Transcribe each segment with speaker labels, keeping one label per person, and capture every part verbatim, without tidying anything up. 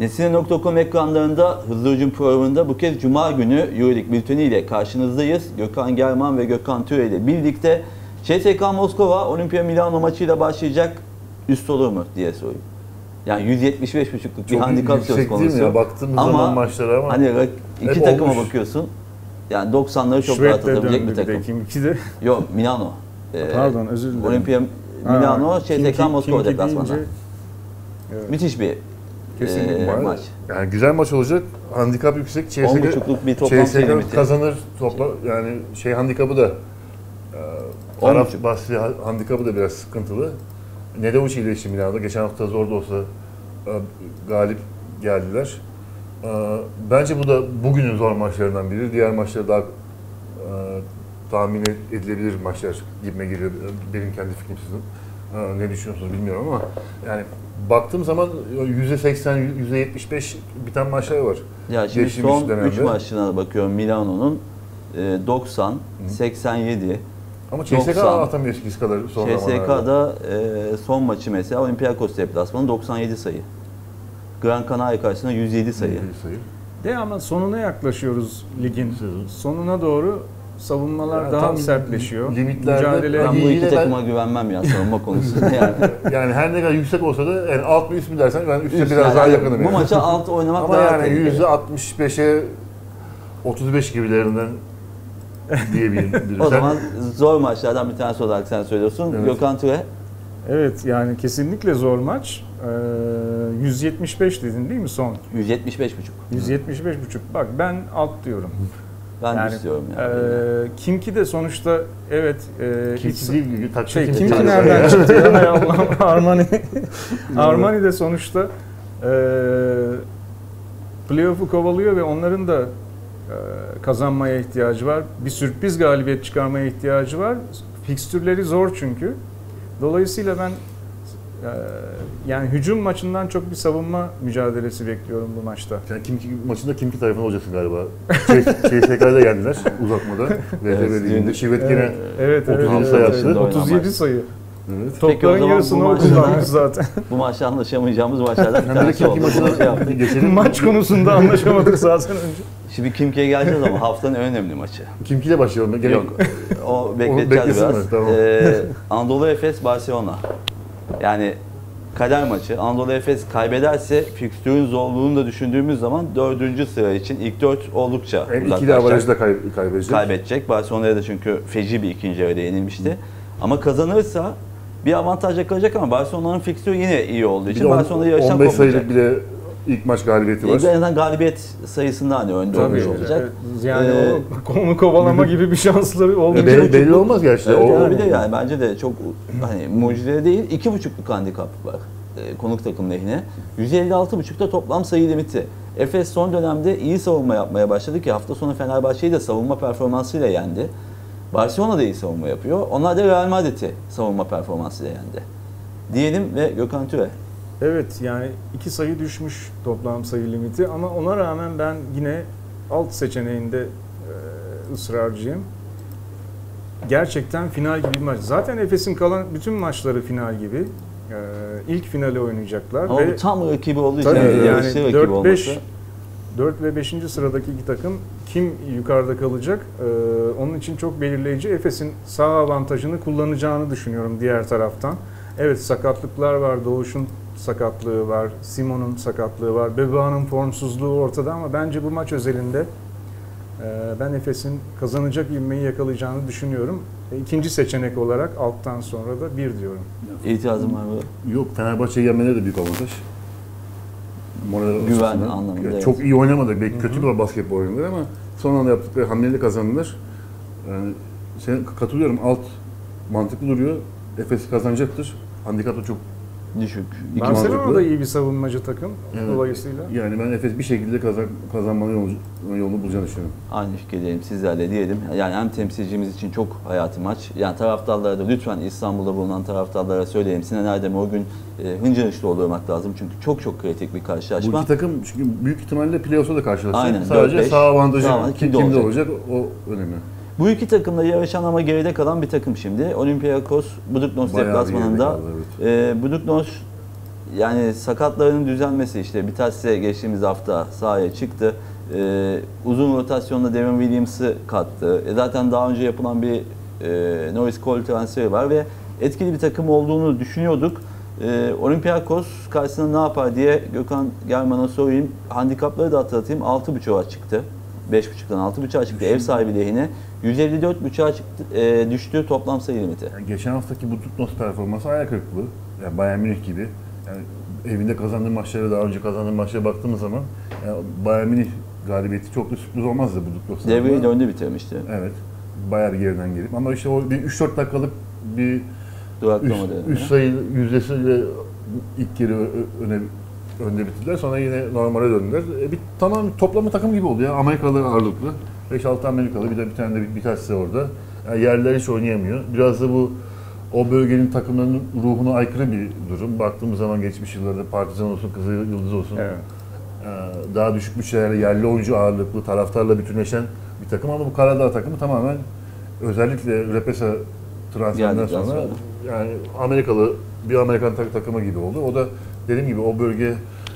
Speaker 1: Nesine nokta com ekranlarında Hızlı Hücum programında bu kez Cuma günü Euroleague bülteni ile karşınızdayız. Gökhan German ve Gökhan Türe ile birlikte C S K A Moskova Olimpia Milano maçıyla başlayacak, üst olur mu diye sorayım. Yani yüz yetmiş beş buçukluk bir handikap söz konusu.
Speaker 2: Ya, baktığımız ama zaman maçlara ama
Speaker 1: hani iki takıma olmuş. Bakıyorsun. Yani doksanları çok rahat atabilecek bir takım.
Speaker 3: Kimki de.
Speaker 1: Yok, Milano.
Speaker 3: Pardon, özür dilerim.
Speaker 1: Olimpia Milano, C S K A Moskova deplasmanı.
Speaker 3: Evet.
Speaker 1: Müthiş bir e, maç.
Speaker 2: Yani güzel maç olacak. Handikap yüksek. C S K
Speaker 1: bir toplam
Speaker 2: C S K kazanır. Topla yani şey handikapı da e, taraf bahsi handikapı da biraz sıkıntılı. Nedevuç ile işi Milano'da. Geçen hafta zor da olsa e, galip geldiler. E, bence bu da bugünün zor maçlarından biri. Diğer maçları daha e, tahmin edilebilir maçlar gibime geliyor. Benim kendi fikrim sizin. E, ne düşünüyorsunuz bilmiyorum ama yani baktığım zaman yüzde seksen, yüzde yetmiş beş biten maçlar var.
Speaker 1: Ya şimdi son üç maçına bakıyorum Milano'nun doksan, seksen yedi.
Speaker 2: Ama C S K A atamıyor eskisi kadar son
Speaker 1: zamanlarda. C S K A'da e, son maçı mesela Olympiakos deplasmanı doksan yedi sayı. Gran Canaria karşısında yüz yedi sayı.
Speaker 2: yüz yedi sayı.
Speaker 3: De ama sonuna yaklaşıyoruz ligin. Sonuna doğru savunmalar
Speaker 2: yani
Speaker 3: daha sertleşiyor.
Speaker 2: Limitlerde
Speaker 1: ben bu iki takıma ben... güvenmem ya savunma konusunda yani.
Speaker 2: Yani her ne kadar yüksek olsa da yani alt mı üst mü dersen ben üstte biraz yani daha yakınım.
Speaker 1: Bu yani. Maça alt oynamak
Speaker 2: ama
Speaker 1: daha
Speaker 2: yani yüzde altmış beşe otuz beş gibilerinden diyebilirim.
Speaker 1: O zaman zor maçlardan bir tanesi olarak sen söylüyorsun. Evet. Gökhan Türe.
Speaker 3: Evet yani kesinlikle zor maç. Ee, yüz yetmiş beş dedin değil mi son?
Speaker 1: yüz yetmiş beş buçuk.
Speaker 3: yüz yetmiş beş buçuk. Bak ben alt diyorum.
Speaker 1: Ben yani, istiyorum yani.
Speaker 3: E, Kimki de sonuçta evet. E,
Speaker 2: Kimki değil mi?
Speaker 3: Şey, Kimki, Kimki nereden çıktı ya Allah'ım Armani. Armani de sonuçta e, playoff'u kovalıyor ve onların da e, kazanmaya ihtiyacı var. Bir sürpriz galibiyet çıkarmaya ihtiyacı var. Fikstürleri zor çünkü. Dolayısıyla ben e, yani hücum maçından çok bir savunma mücadelesi bekliyorum bu maçta.
Speaker 2: Sen Kimki maçında Kimki tarafında olacaksın galiba. C S K'da yendiler uzatmada. V T B Ligi'nde. Şivet yine
Speaker 3: evet, evet,
Speaker 2: otuz yedi
Speaker 3: evet,
Speaker 2: sayı
Speaker 3: evet,
Speaker 2: attı.
Speaker 3: otuz yedi sayı.
Speaker 2: Evet.
Speaker 3: Topların yarısını o kullanmış zaten.
Speaker 1: Bu maçta anlaşamayacağımız maçlardan bir
Speaker 2: tanesi oldu.
Speaker 3: Maç konusunda anlaşamadık zaten önce.
Speaker 1: Şimdi Kimki'ye geleceğiz ama haftanın en önemli maçı.
Speaker 2: Kimki ile başlayalım. Gerek...
Speaker 1: Yok, o bekleteceğiz biraz. Tamam. Ee, Anadolu Efes Barcelona. Yani kader maçı. Anadolu Efes kaybederse fikstürün zorluğunu da düşündüğümüz zaman dördüncü sıra için ilk dört oldukça uzaklaşacak.
Speaker 2: İkili avarajda kay kaybedecek.
Speaker 1: Kaybedecek. Barcelona'ya da çünkü feci bir ikinci yarıda yenilmişti. Hı. Ama kazanırsa bir avantaj yakalayacak ama Barcelona'nın fikstürü yine iyi olduğu için Barcelona'da yarışan
Speaker 2: kopacak. on beş sayılık bile ilk maç galibiyeti var.
Speaker 1: En azından galibiyet sayısında hani önde olmuş olacak.
Speaker 3: Yani ee, o onu kovalama gibi bir şansları olmayacak.
Speaker 2: Belli, belli olmaz gerçekten.
Speaker 1: Evet,
Speaker 2: o,
Speaker 1: yani bir de yani bence de çok hani mucize değil. iki buçukluk handikap var e, konuk takım lehine. yüz elli altı buçukta toplam sayı limiti. Efes son dönemde iyi savunma yapmaya başladı ki hafta sonu Fenerbahçe'yi de savunma performansıyla yendi. Barcelona da iyi savunma yapıyor. Onlar da Real Madrid'i savunma performansıyla yendi. Diyelim ve Gökhan Türe.
Speaker 3: Evet yani iki sayı düşmüş toplam sayı limiti ama ona rağmen ben yine alt seçeneğinde e, ısrarcıyım. Gerçekten final gibi bir maç. Zaten Efes'in kalan bütün maçları final gibi. E, ilk finali oynayacaklar.
Speaker 1: Ama
Speaker 3: ve
Speaker 1: bu tam rakibi olduğu için
Speaker 3: yani,
Speaker 1: yani
Speaker 3: dört beş dört ve beşinci sıradaki iki takım kim yukarıda kalacak? E, onun için çok belirleyici. Efes'in sağ avantajını kullanacağını düşünüyorum diğer taraftan. Evet sakatlıklar var. Doğuş'un sakatlığı var. Simon'un sakatlığı var. Beba'nın formsuzluğu ortada ama bence bu maç özelinde e, ben Efes'in kazanacak ivmeyi yakalayacağını düşünüyorum. E, ikinci seçenek olarak alttan sonra da bir diyorum.
Speaker 1: İtirazım var mı?
Speaker 2: Yok, Fenerbahçe'yi yenmeleri de büyük avantaj.
Speaker 1: Moral güven açısından. Anlamında.
Speaker 2: Yani çok iyi oynamadı. Belki kötü bir basketbol oynadılar ama son anda yaptıkları hamleyle kazandılar. Yani sen katılıyorum. Alt mantıklı duruyor. Efes kazanacaktır. Handikap da çok
Speaker 1: düşük.
Speaker 3: Barcelona da iyi bir savunmacı takım evet. Dolayısıyla.
Speaker 2: Yani ben Efes bir şekilde kazan, kazanmanın yolunu, yolunu bulacağını düşünüyorum.
Speaker 1: Aynı fikirdeyim sizlerle diyelim. Yani hem temsilcimiz için çok hayati maç. Yani taraftarlara da lütfen İstanbul'da bulunan taraftarlara söyleyeyim. Sinan Erdem'e o gün e, hıncır hıçlı olmak lazım. Çünkü çok çok kritik bir karşılaşma.
Speaker 2: Bu iki takım çünkü büyük ihtimalle playoff'a da karşılaşacak.
Speaker 1: Aynen.
Speaker 2: Sadece sağ avantajı kim, kimde olacak? olacak o önemli.
Speaker 1: Bu iki takımla yarışan ama geride kalan bir takım şimdi. Olympiakos Buduknos deplasmanında. Evet. E, Buduknos yani sakatlarının düzelmesi, işte Bitas'e geçtiğimiz hafta sahaya çıktı. Ee, uzun rotasyonda Devin Williams'ı kattı. E zaten daha önce yapılan bir e, Norris Cole transferi var ve etkili bir takım olduğunu düşünüyorduk. Ee, Olympiakos karşısında ne yapar diye Gökhan German'a sorayım. Handikapları da hatırlatayım. altı buçuğa çıktı. beş buçuktan altı buçuğa çıktı ev sahibi lehine. yüz elli dört buçuğa çıktı, e, düştü toplam sayı limiti.
Speaker 2: Yani geçen haftaki bu Tutnos performansı ayak kırıklığı. Yani Bayern Münih gibi. Yani evinde kazandığı maçlara, daha önce kazandığı maçlara baktığımız zaman yani Bayern Münih galibiyeti çok da sürpriz olmazdı bu Tutnos'ta.
Speaker 1: Devreyi de önde bitirmişti.
Speaker 2: Evet. Bayağı bir geriden gelip. Ama işte o bir üç dört dakikalık bir
Speaker 1: Duraklama
Speaker 2: üst, üst sayı yüzdesiyle ilk kere öne önde bitirdiler. Sonra yine normale döndüler. E bir tamam toplamı takım gibi oldu ya. Amerikalı ağırlıklı. beş altı Amerikalı, bir de bir tane de bir, bir tanesi orada. Yani yerliler hiç oynayamıyor. Biraz da bu o bölgenin takımlarının ruhuna aykırı bir durum. Baktığımız zaman geçmiş yıllarda Partizan olsun, Kızıl Yıldız olsun. Evet. Daha düşük bütçelerle yerli oyuncu ağırlıklı, taraftarla bütünleşen bir takım ama bu Karadağ takımı tamamen özellikle Repesa transferinden sonra sonra yani Amerikalı bir Amerikan tak takımı gibi oldu. O da dediğim gibi o bölge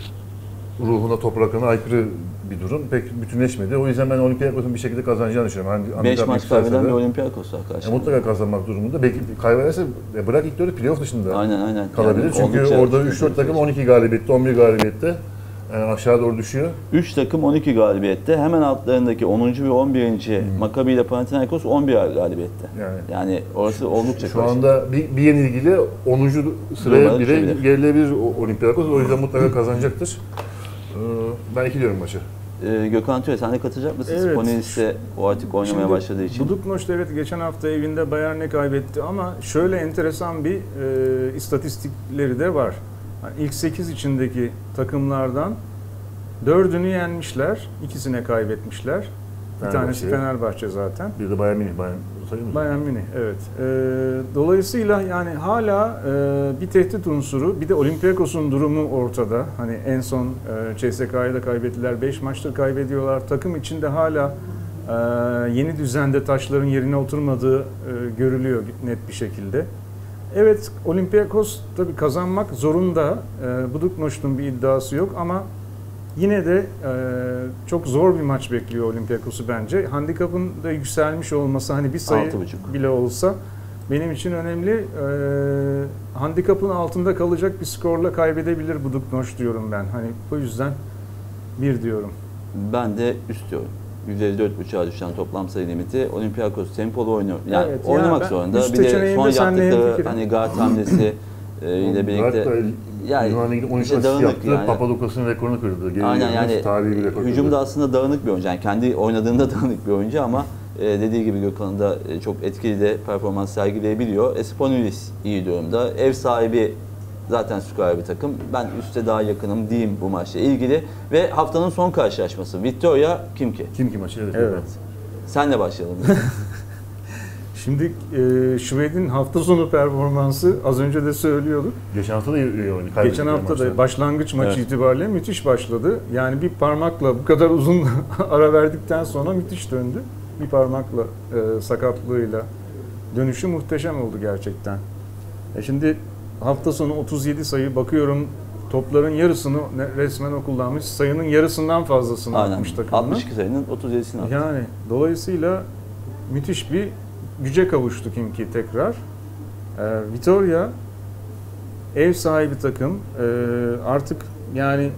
Speaker 2: ruhuna, topraklarına aykırı bir durum. Pek bütünleşmedi. O yüzden ben Olympiakos'un bir şekilde kazanacağını düşünüyorum.
Speaker 1: beş maç kaybeden bir Olympiakos'a karşı.
Speaker 2: Mutlaka kazanmak durumunda. Belki kaybederse bırak ilk dörde playoff dışında
Speaker 1: aynen, aynen.
Speaker 2: kalabilir. Yani çünkü orada üç dört takım on iki galibiyette, on bir galibiyette. Yani aşağı doğru düşüyor.
Speaker 1: üç takım on iki galibiyette. Hemen altlarındaki onuncu ve on birinci Hmm. Maccabi ile Panathinaikos on bir galibiyette. Yani, yani orası oldukça
Speaker 2: şu anda bir, bir yenilgiyle onuncu sıraya bile gerilebilir Olympiakos. O yüzden mutlaka kazanacaktır. Ben iki diyorum maçı.
Speaker 1: Ee, Gökhan Türe, sen de katılacak mısın? Evet. Sponilis'te o artık oynamaya Şimdi, başladığı için.
Speaker 3: Buduknoş evet geçen hafta evinde Bayern'e kaybetti ama şöyle enteresan bir e, istatistikleri de var. Yani ilk sekiz içindeki takımlardan dördünü yenmişler, ikisine kaybetmişler. Bir Fenerbahçe. Tanesi Fenerbahçe zaten.
Speaker 2: Bir de Bayern Münih, Bayern sayıyor musun?
Speaker 3: Bayern Münih, evet. Ee, dolayısıyla yani hala e, bir tehdit unsuru, bir de Olympiakos'un durumu ortada. Hani en son e, C S K A'yı da kaybettiler, beş maçtır kaybediyorlar. Takım içinde hala e, yeni düzende taşların yerine oturmadığı e, görülüyor net bir şekilde. Evet, Olympiakos tabii kazanmak zorunda. E, Buduknoş'un bir iddiası yok ama yine de e, çok zor bir maç bekliyor Olympiakos'u bence. Handikapın da yükselmiş olması, hani bir sayı bile olsa benim için önemli. E, handikapın altında kalacak bir skorla kaybedebilir Buduknoş diyorum ben. Hani bu yüzden bir diyorum.
Speaker 1: Ben de üst diyorum. yüz elli dört buçuğa düşen toplam sayı limiti. Olympiakos tempolu oynuyor. Yani
Speaker 3: evet,
Speaker 1: oynamak
Speaker 3: yani
Speaker 1: zorunda. Bir de son yaptıkları hani guard hamlesi e, ile birlikte
Speaker 2: yani Yunan'ın işte dağınık yani. Papadoukos'un rekorunu kırdı. Geri
Speaker 1: aynen yani hücumda aslında dağınık bir oyuncu. Yani kendi oynadığında dağınık bir oyuncu ama e, dediği gibi Gökhan'ın da e, çok etkili de performans sergileyebiliyor. Esponilis iyi durumda. Ev sahibi zaten süper bir takım. Ben üste daha yakınım diyeyim bu maçla ilgili. Ve haftanın son karşılaşması. Victoria Kimki.
Speaker 2: Kimki maçı evet.
Speaker 3: evet.
Speaker 1: Senle başlayalım.
Speaker 3: Şimdi e, Şved'in hafta sonu performansı az önce de söylüyorduk.
Speaker 2: Geçen hafta da iyi oynadı.
Speaker 3: Geçen hafta da başlangıç maçı evet. itibariyle müthiş başladı. Yani bir parmakla bu kadar uzun ara verdikten sonra müthiş döndü. Bir parmakla e, sakatlığıyla dönüşü muhteşem oldu gerçekten. E şimdi hafta sonu otuz yedi sayı bakıyorum. Topların yarısını resmen o kullanmış. Sayının yarısından fazlasını
Speaker 1: aynen.
Speaker 3: atmış takımına.
Speaker 1: altmış iki sayının otuz yedisini attı.
Speaker 3: Yani dolayısıyla müthiş bir güce kavuştu Kimki tekrar. Ee, Vitória ev sahibi takım. Ee, artık yani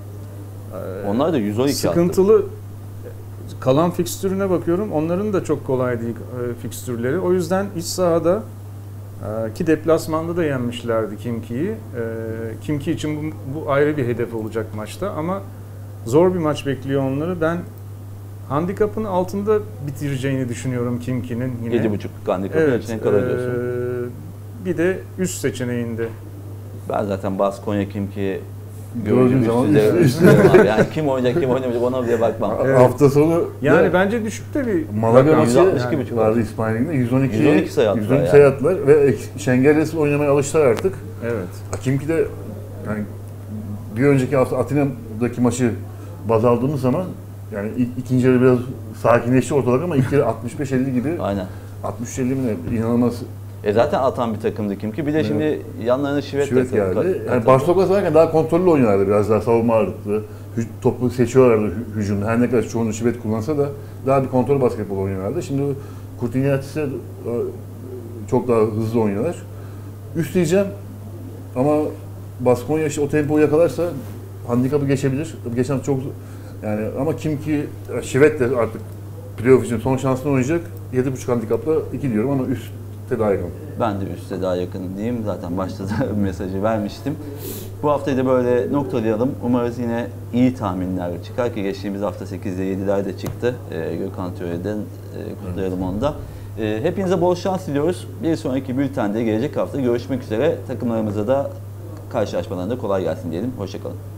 Speaker 1: e, onlar da yüz on iki
Speaker 3: sıkıntılı
Speaker 1: attı.
Speaker 3: Kalan fikstürüne bakıyorum. Onların da çok kolay değil e, fikstürleri. O yüzden iç sahada e, ki deplasmanda da yenmişlerdi Kimki'yi. E, Kimki için bu, bu ayrı bir hedef olacak maçta ama zor bir maç bekliyor onları. Ben handikapın altında bitireceğini düşünüyorum Kimki'nin yine.
Speaker 1: yedi buçuk handikapın evet, içine kalır diyorsun.
Speaker 3: E, bir de üst seçeneğinde.
Speaker 1: Ben zaten Baskonya Kimki gördüğüm zaman üstü üstü abi. Yani kim oynayacak kim oynamayacak ona bile bakmam.
Speaker 2: Evet. Hafta sonu
Speaker 3: yani ya, bence düşükte bir
Speaker 2: Malaga maçı yani, vardı İspanya'da yüz on iki
Speaker 1: yüz on iki sayı attılar.
Speaker 2: yüz on iki sayı attılar ve Şengel'le oynamaya alıştılar artık.
Speaker 3: Evet.
Speaker 2: Kimki de yani bir önceki hafta Atina'daki maçı baz aldığımız zaman yani ikinci yarı biraz sakinleşti ortalık ama ilk yarı altmış beş elli gibi.
Speaker 1: Aynen.
Speaker 2: altmış elli mi ne inanılmaz
Speaker 1: E zaten atan bir takımdı kim ki. Bir de
Speaker 2: Evet.
Speaker 1: şimdi yanlarına Şivet,
Speaker 2: Şivet
Speaker 1: takım-
Speaker 2: geldi.
Speaker 1: kat-
Speaker 2: Yani Barcelona varken daha kontrollü oynuyorlardı, biraz daha savunma ağırlıklı. Hü- Topu seçiyorlardı hü- hücumda. Her ne kadar çoğunu Şivet kullansa da daha bir kontrol basketbol oynuyorlardı. Şimdi Kurtinyatis'e çok daha hızlı oynuyorlar. Üst diyeceğim ama Baskonya işte o tempoyu yakalarsa handikapı geçebilir. Tabii geçen hafta çok yani ama kim ki Şivet de artık playoff için son şansını oynayacak. yedi buçuk handikapla iki diyorum ama üstte daha yakın.
Speaker 1: Ben de üste daha yakın diyeyim. Zaten başta da mesajı vermiştim. Bu haftayı da böyle noktalayalım. Umarız yine iyi tahminler çıkar ki geçtiğimiz hafta sekizde yediler de çıktı. Ee, Gökhan Töre'den e, kutlayalım onu da. Ee, hepinize bol şans diliyoruz. Bir sonraki bültende gelecek hafta görüşmek üzere. Takımlarımıza da karşılaşmalarında kolay gelsin diyelim. Hoşçakalın.